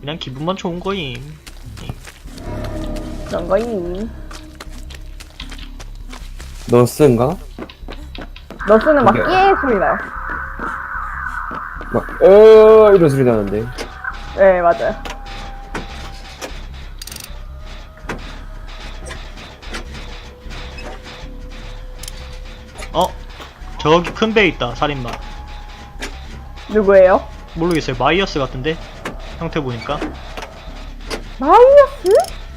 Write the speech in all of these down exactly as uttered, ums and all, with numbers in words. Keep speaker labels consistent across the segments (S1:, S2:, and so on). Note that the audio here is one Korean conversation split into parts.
S1: 그냥 기분만 좋은 거임.
S2: 그런 거임.
S3: 너스인가?
S2: 너스는 막
S3: 이게-
S2: 끼 소리 나요.
S3: 막, 어, 이런 소리 나는데.
S2: 네, 맞아요.
S1: 어? 저기 큰 배 있다, 살인마.
S2: 누구예요?
S1: 모르겠어요. 마이어스 같은데? 형태 보니까.
S2: 마이어스?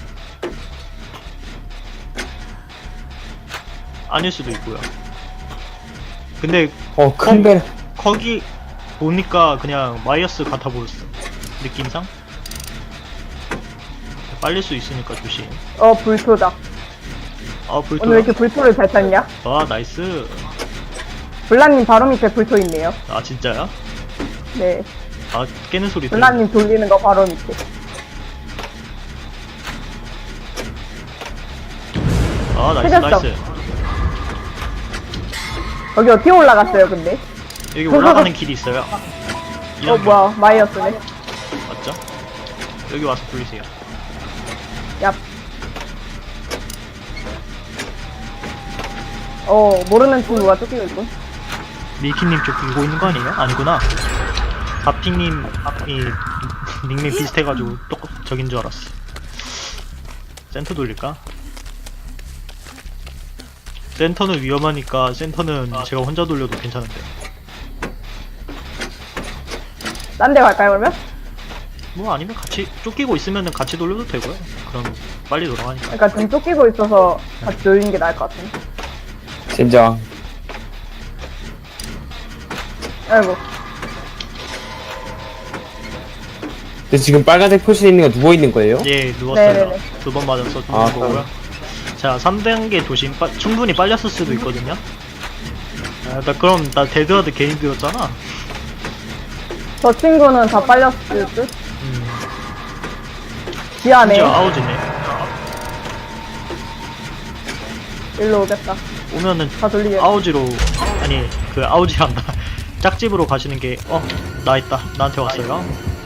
S1: 아닐 수도 있고요. 근데
S3: 어, 큰 배.
S1: 거기 보니까 그냥 마이어스 같아 보였어. 느낌상? 빨릴 수 있으니까 조심.
S2: 어, 불토다.
S1: 아,
S2: 오늘 왜
S1: 불토.
S2: 이렇게 불토를 잘 탔냐?
S1: 아, 나이스.
S2: 블라님 바로 밑에 불토 있네요.
S1: 아, 진짜야?
S2: 네.
S1: 아, 깨는 소리 들려.
S2: 블라님 돌리는 거 바로 밑에.
S1: 아, 나이스,
S2: 찾았어.
S1: 나이스.
S2: 여기 어떻게 올라갔어요, 근데?
S1: 여기 올라가는 길이 있어요.
S2: 어,
S1: 이런 거
S2: 뭐야, 마이어스네.
S1: 맞죠? 여기 와서 돌리세요.
S2: 얍. 어, 모르는 친구가 쫓기고 있군.
S1: 밀키님 쪽 들고 있는 거 아니에요? 아니구나. 가핑님이 닉네임 비슷해가지고 똑 저긴 줄 알았어. 센터 돌릴까? 센터는 위험하니까 센터는 제가 혼자 돌려도 괜찮은데.
S2: 딴 데 갈까요, 그러면?
S1: 뭐 아니면 같이 쫓기고 있으면 같이 돌려도 되고요. 그럼 빨리 돌아가니까.
S2: 그러니까 좀 쫓기고 있어서 같이 돌리는 게 나을 것 같은데.
S3: 젠장.
S2: 아이고.
S3: 근데 지금 빨간색 표시 있는 거 누워 있는 거예요?
S1: 예, 누웠어요.
S2: 네네네.
S1: 두 번 맞아서 죽는
S3: 아,
S1: 거고요. 자, 삼 단계 도심 빠, 충분히 빨렸을 수도 있거든요. 아, 나 그럼 나 데드하드 개인 들었잖아.
S2: 저 친구는 다 빨렸을 듯?
S1: 음,
S2: 미안해.
S1: 심지어 아우지네.
S2: 일로 오겠다.
S1: 오면은
S2: 다 돌리게.
S1: 아우지로 아니 그 아우지란다. 짝집으로 가시는 게 어 나 있다 나한테 왔어요.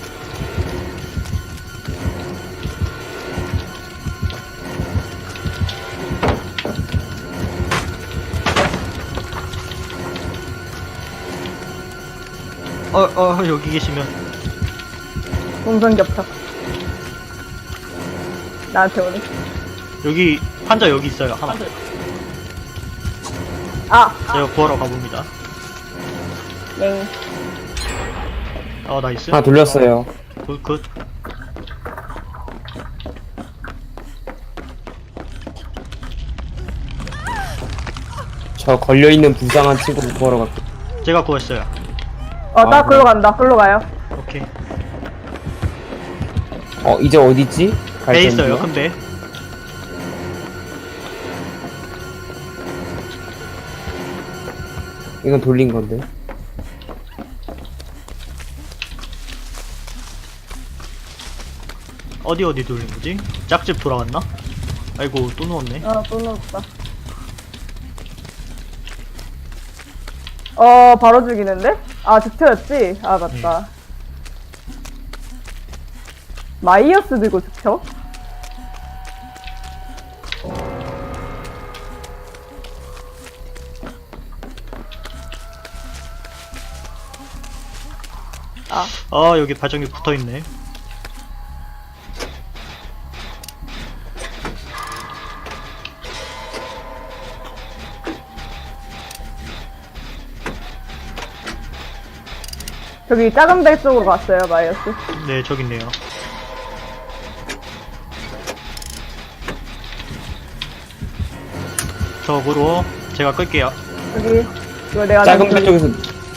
S1: 어 어 여기 계시면
S2: 동선 겹쳐. 나한테 오네.
S1: 여기 환자 여기 있어요 하나.
S2: 아!
S1: 제가 구하러 가봅니다.
S2: 엥.
S1: 어 나이스.
S3: 하나 돌렸어요.
S1: 굿 굿.
S3: 저 걸려있는 불쌍한 친구를 구하러 갈게요.
S1: 제가 구했어요.
S2: 어, 나
S3: 아,
S2: 글로
S3: 그래.
S2: 간다. 글로 가요.
S1: 오케이.
S3: 어, 이제 어디지?
S1: 배 있어요 큰 배.
S3: 이건 돌린 건데.
S1: 어디 어디 돌린 거지? 짝집 돌아왔나? 아이고 또 누웠네.
S2: 어, 또 넣었다. 어, 바로 죽이는데? 아, 즉처였지? 아, 맞다. 마이어스 들고 즉처? 아,
S1: 아 여기 발전기 붙어있네.
S2: 저기 작은 배 쪽으로 갔어요, 마이어스.
S1: 네 저기 있네요. 저으로 제가 끌게요.
S2: 여기, 이거 내가
S3: 작은
S2: 돌리-
S3: 배 쪽에서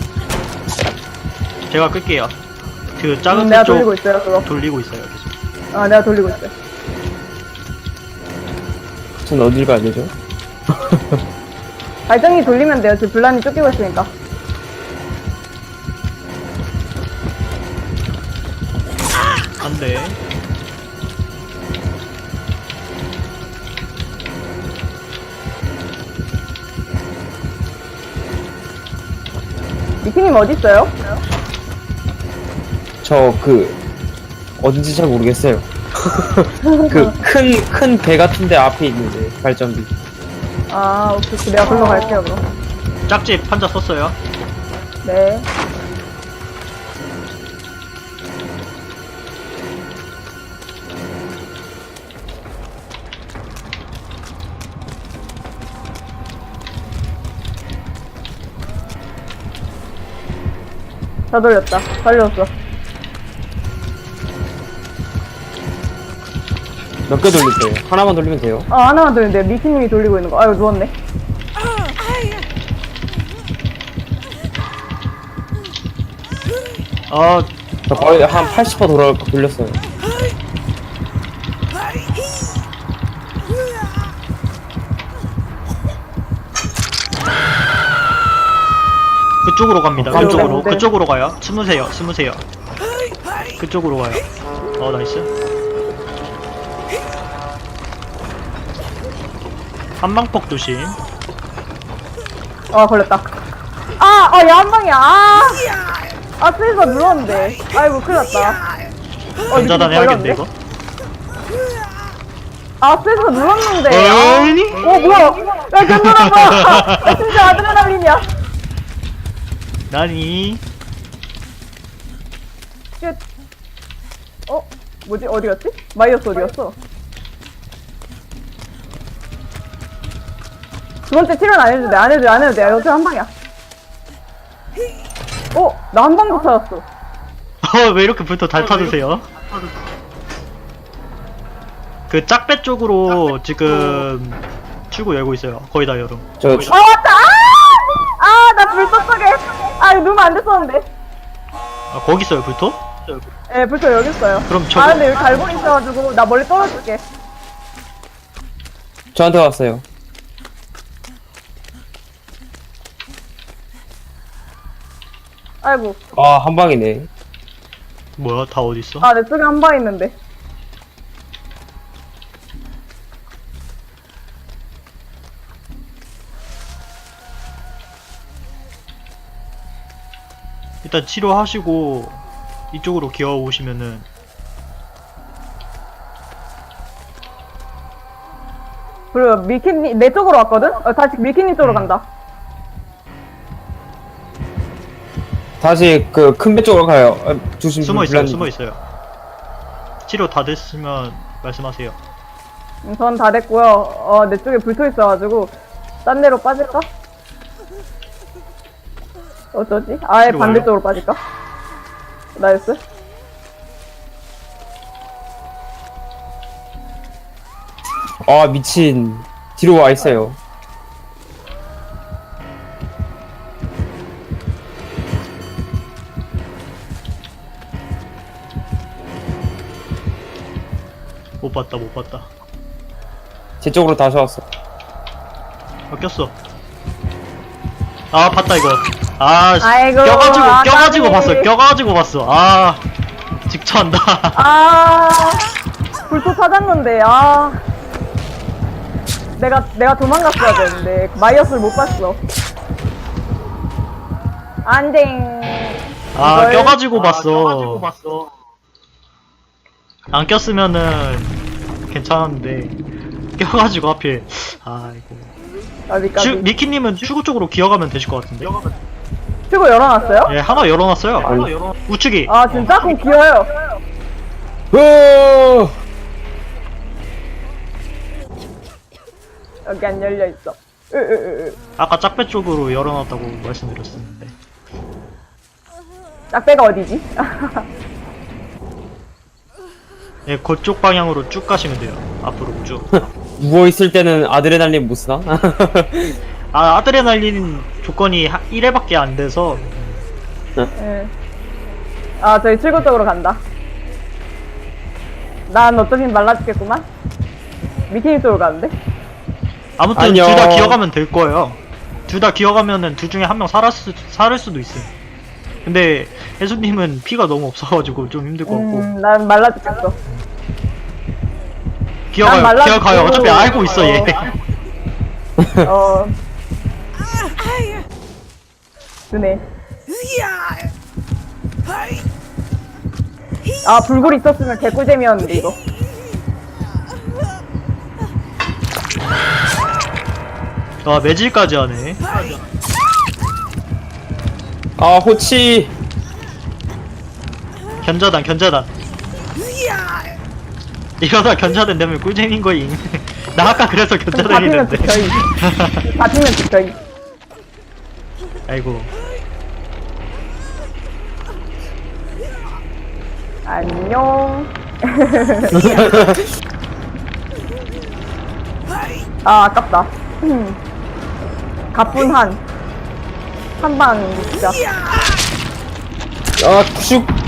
S1: 제가 끌게요. 그 작은
S2: 음, 내가
S1: 쪽
S2: 돌리고 있어요, 그거.
S1: 돌리고 있어요 계속.
S2: 아, 내가 돌리고 있어요.
S3: 전 어딜 가야 되죠?
S2: 발전기 돌리면 돼요. 지금 블란이 쫓기고 있으니까.
S1: 안돼.
S2: 미키님 어딨어요?
S3: 저 그 어딘지 잘 모르겠어요. 그 큰 큰 배 같은데 앞에 있는데 발전기.
S2: 아, 오케이. 오케이. 내가 글로 갈게요, 그럼.
S1: 짝집 판자 썼어요.
S2: 네. 다 돌렸다. 살렸어.
S3: 몇 개 돌릴 거예요? 하나만 돌리면 돼요.
S2: 아, 하나만 돌리는데 미키님이 돌리고 있는 거. 아유, 누웠네.
S1: 아,
S3: 저 거의 한 팔십 퍼센트 돌아 돌렸어요.
S1: 그쪽으로 갑니다.
S3: 어,
S1: 그쪽으로.
S2: 네.
S1: 그쪽으로 가요. 숨으세요. 숨으세요. 그쪽으로 가요. 어, 나이스. 한방폭 조심.
S2: 아, 걸렸다. 아, 아, 야, 한 방이야. 아, 아, 스위스가 눌렀는데. 아이고, 큰일 났다. 어,
S1: 전자단
S2: 미키님
S1: 해야겠네, 이거.
S2: 아, 스위스가 눌렀는데. 아.
S1: 아니?
S2: 어, 뭐야. 야, 견뎌라, 봐. 아, 진짜 아드레날린이야.
S1: 나니?
S2: 쉣. 어? 뭐지? 어디 갔지? 마이어스 어디 갔어? 두 번째 치료는 안 해도 돼, 안 해도 돼, 안 해도 돼. 어차피 한 방이야. 어? 나 한 방도 찾았어.
S1: 어, 왜 이렇게 불터 잘 타드세요? 그 짝배 쪽으로 지금 출구 열고 있어요. 거의 다 열어.
S3: 저
S2: 아, 왔다! 아! 아, 나 불도 속에. 아, 이거 누우면 안 됐었는데.
S1: 아, 거기 있어요, 불토?
S2: 예, 불도 여기 있어요.
S1: 그럼 저거-
S2: 아, 근데 여기 갈고리 있어가지고, 나 멀리 떨어질게.
S3: 저한테 왔어요.
S2: 아이고.
S3: 아, 한 방이네.
S1: 뭐야, 다 어디 있어?
S2: 아, 내 쪽에 한 방 있는데.
S1: 일단 치료하시고 이쪽으로 기어 오시면은
S2: 그리고 밀키님, 내 쪽으로 왔거든? 어, 다시 밀키님 쪽으로 간다.
S3: 다시 그 큰 배 쪽으로 가요. 아, 조심.
S1: 숨어 있어요,
S3: 불난-
S1: 숨어 있어요. 치료 다 됐으면 말씀하세요.
S2: 음, 전 다 됐고요. 어, 내 쪽에 불토 있어가지고, 딴 데로 빠질까? 어쩌지? 아예
S1: 치료
S2: 반대쪽으로 빠질까? 나이스.
S3: 아, 미친. 뒤로 와 있어요.
S1: 못 봤다, 못 봤다.
S3: 제 쪽으로 다시 왔어.
S1: 아, 꼈어. 아, 봤다 이거. 아, 씨,
S2: 아이고,
S1: 껴가지고
S2: 아,
S1: 껴가지고
S2: 까비.
S1: 봤어. 껴가지고 봤어. 아, 직처한다.
S2: 아, 불토 찾았는데, 아. 내가, 내가 도망갔어야 되는데, 마이어스를 못 봤어. 안댕.
S1: 아,
S2: 이걸-
S1: 껴가지고
S2: 아,
S1: 봤어. 안 꼈으면은 괜찮았는데 껴가지고 하필. 아이고.
S2: 어디까지?
S1: 추, 미키님은 출구 쪽으로 기어가면 되실 것 같은데.
S2: 출구 열어놨어요?
S1: 예, 하나 열어놨어요.
S3: 아니.
S1: 우측이.
S2: 아, 진짜? 그럼 귀여워요.
S3: 으
S2: 여기 안 열려있어. 으, 으, 으, 으.
S1: 아까 짝배 쪽으로 열어놨다고 말씀드렸었는데.
S2: 짝배가 어디지?
S1: 예, 그쪽 방향으로 쭉 가시면 돼요. 앞으로 쭉.
S3: 누워 있을 때는 아드레날린 못 쓰나?
S1: 아, 아드레날린 조건이 일 회밖에 안 돼서.
S2: 예. 아, 저희 출구 쪽으로 간다. 난 어쩌긴 말라 죽겠구만. 미키님 쪽으로 가는데?
S1: 아무튼
S3: 안녕.
S1: 둘 다 기어가면 될 거예요. 둘 다 기어가면은 둘 중에 한 명 살았, 살을 수도 있어요. 근데 혜수님은 피가 너무 없어가지고 좀 힘들 것 같고.
S2: 음, 난 말라 죽겠어.
S1: 기어가요,
S2: 말라
S1: 기어가요.
S2: 죽고.
S1: 어차피 알고 있어, 얘.
S2: 어. 드네. 아, 불굴 있었으면 개꿀잼이었는데, 이거.
S1: 와 매질까지 하네.
S3: 아, 호치.
S1: 견자단 견자단. 이러다 견자단 되면 꿀잼인 거임. 나 아까 그래서 견자단
S2: 잡히면
S1: 했는데.
S2: 죽여이. 잡히면 죽여이.
S1: 아이고.
S2: 안녕. 아, 아깝다. 음. 가뿐한. 한 방, 진짜.
S3: 아, 슉.